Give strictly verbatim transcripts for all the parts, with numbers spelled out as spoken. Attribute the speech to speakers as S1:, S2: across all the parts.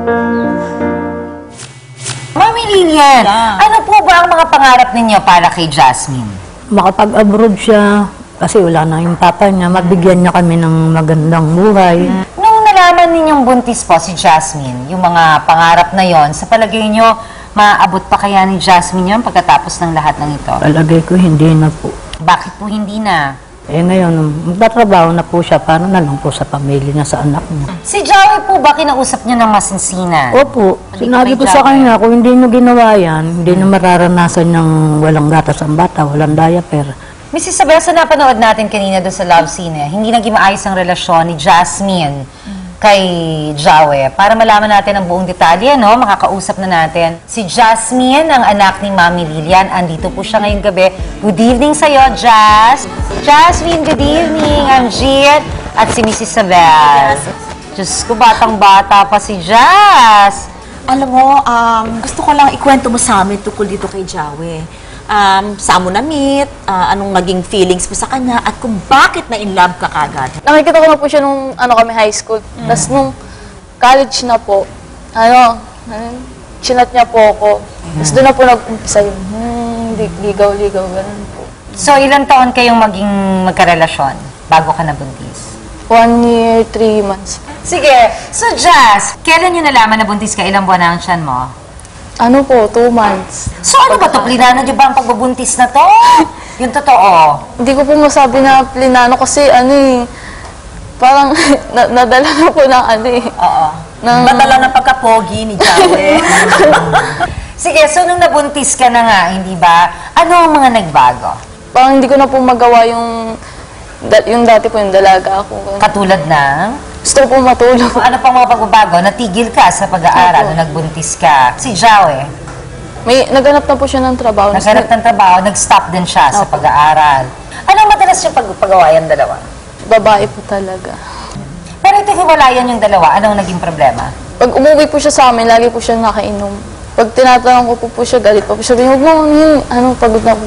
S1: Mami Lilian,
S2: Yeah.
S1: ano po ba ang mga pangarap ninyo para kay Jasmine?
S3: Makapag-abroad siya kasi wala na yung papa niya. Mabigyan niya kami ng magandang buhay.
S1: Nung nalaman ninyong buntis po si Jasmine, yung mga pangarap na yon, sa palagay nyo, maaabot pa kaya ni Jasmine yon pagkatapos ng lahat ng ito?
S3: Palagay ko hindi na po.
S1: Bakit po hindi na?
S3: Eh ngayon, magtatrabaho na po siya para na lang po sa pamilya niya, sa anak niya.
S1: Si Joey po ba kinausap niyo ng masinsinan?
S3: Opo,
S1: Hindi
S3: sinabi
S1: ko
S3: ko
S1: may
S3: sa
S1: job,
S3: kanya, kung hindi niyo ginawa yan, hindi niyo mararanasan ng walang gatas ang bata, walang diaper.
S1: Missus Isabel, sa napanood natin kanina doon sa love scene, eh, hindi naging maayos ang relasyon ni Jasmine kay Joey. Para malaman natin ang buong detalye, no? Makakausap na natin si Jasmine, ang anak ni Mami Lilian. Andito po siya ngayong gabi. Good evening sa'yo, Jas. Jasmine, good evening. I'm Jean at si Missus Isabel. Diyos ko, batang-bata pa si Jas.
S2: Alam mo, um, gusto ko lang ikwento mo sa amin tungkol dito kay Joey. Um, saan mo na-meet, uh, anong naging feelings mo sa kanya, at kung bakit na-in-love ka kagad.
S4: Nakikita ko na po siya nung ano kami high school. Mm. Tapos nung college na po, ano, ano chinat niya po ako. Mm. Tapos doon na po nag-umpisa yung hmm, ligaw-ligaw, ganun po.
S1: So, ilang taon kayong maging magkarelasyon bago ka nabuntis?
S4: One year, three months.
S1: Sige. So, Jas, kailan nyo nalaman na buntis ka? Ilang buwan na ang tiyan mo?
S4: Ano po, two months.
S1: So, ano ba ito? Plinano nyo ba ang pagbubuntis na to? Yung totoo.
S4: Hindi ko po masabi na plinano kasi ano eh, parang na nadala na po ng ano eh.
S1: Oo.
S4: Ng,
S2: Badala ng pagkapogi ni Joey.
S1: Sige, so nung nabuntis ka na nga, hindi ba? Ano ang mga nagbago?
S4: parang hindi ko na po magawa yung, da- yung dati po yung dalaga ako. Ganun.
S1: Katulad ng...
S4: Gusto ko po matulog.
S1: Kung ano pang mga pagbabago, natigil ka sa pag-aaral
S4: Opo.
S1: nung nagbuntis ka. Si Joey,
S4: May naganap na po siya ng trabaho.
S1: naghanap ng trabaho, nag-stop din siya sa
S4: Opo.
S1: pag-aaral. Anong madalas yung pag-pagawa yung dalawa?
S4: Babae po talaga.
S1: Pero ito hiwalayan yung dalawa, anong naging problema?
S4: Pag umuwi po siya sa amin, lagi po siya nakainom. Pag tinatanong ko po po siya, galit pa po siya. Huwag mo, yun, ano, pagod na po.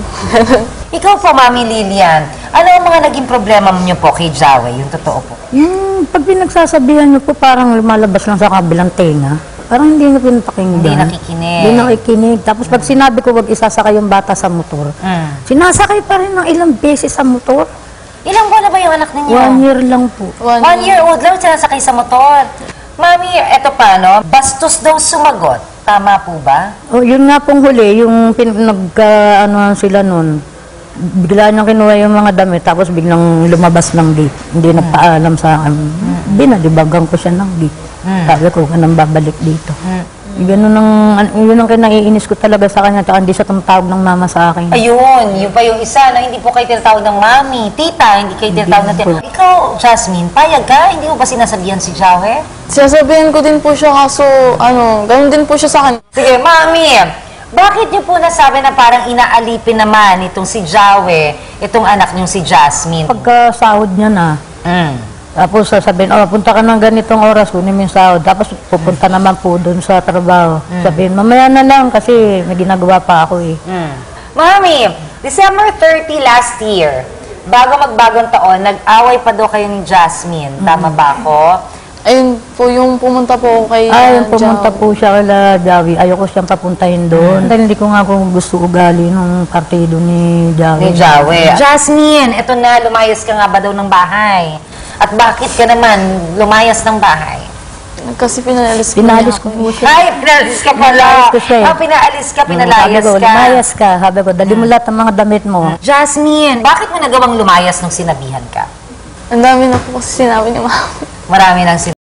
S1: Ikaw po, Mami Lilian, ano ang mga naging problema niyo po kay Joey, yung totoo po?
S3: Yung pag pinagsasabihan niyo po, parang lumalabas lang sa kabilang tenga. Parang hindi niyo pinapakinggan.
S1: Hindi nakikinig.
S3: Hindi nakikinig. Tapos pag sinabi ko, wag isasakay yung bata sa motor,
S1: Mm.
S3: sinasakay pa rin ng ilang beses sa motor.
S1: Ilang buwan na ba yung anak ninyo?
S3: One year lang po.
S4: One,
S1: One year old lang, sinasakay sa motor. Mami, eto pa, no? Bastos daw sumagot. Tama po ba?
S3: O, yun nga pong huli, yung pin, nagka, ano sila nun, bigla niyang kinuha yung mga damit, tapos biglang lumabas ng gate. Hindi
S1: Hmm.
S3: nagpaalam sa akin. Binalibagan ko siya ng gate.
S1: Mm.
S3: Sabi ko, ka nang babalik dito.
S1: Mm.
S3: Ganun ang, an- yun ang kinaiinis ko talaga sa kanya, tsaka hindi siya tumatawag ng mama sa akin.
S1: Ayun, yun pa yung isa na hindi po kayo tinatawag ng mami, tita, hindi kayo tinatawag ng tita.
S3: Hindi po.
S1: Ikaw, Jasmine, payag ka? Hindi mo ba sinasabihan si Joey?
S4: Sinasabihin ko din po siya, kaso, ano, ganun din po siya sa akin.
S1: Sige, mami, bakit niyo po nasabi na parang inaalipin naman itong si Joey, itong anak niyong si Jasmine?
S3: Pagkasahod niya na,
S1: Mm.
S3: tapos sasabihin, oh, punta ka ng ganitong oras, kunin mo yung sahod. Tapos pupunta naman po doon sa trabaho. Sabihin, mamaya na lang kasi may ginagawa pa ako eh.
S1: Mm. Mami, December thirtieth last year, bago magbagong taon, nag-away pa daw kayo ni Jasmine. Tama ba ako?
S4: Ayun po, yung pumunta po ako kay
S3: Ay,
S4: uh,
S3: pumunta
S4: Jao.
S3: po siya kala Javi. Ayoko siyang papuntahin doon. Dahil hindi ko nga po gusto ugali ng partido ni
S1: Ni
S3: Javi.
S1: Joey. Jasmine, eto na, lumayas ka nga ba daw ng bahay? At bakit ka naman lumayas ng bahay?
S4: Kasi pinaalis ko
S3: Pinalis
S4: niya
S3: ko
S4: ako.
S3: po siya.
S1: Ay, pinaalis ka pala.
S3: Pinalis ko siya eh.
S1: Ah, pinaalis ka,
S3: Sabi
S1: pinalayas
S3: ko,
S1: ka.
S3: lumayas ka. Sabi ko, dali mo lahat ng mga damit mo.
S1: Jasmine, bakit mo nagawang lumayas nung sinabihan ka?
S4: Ang dami na po kasi sinabi ni mama.
S1: Marami nang sin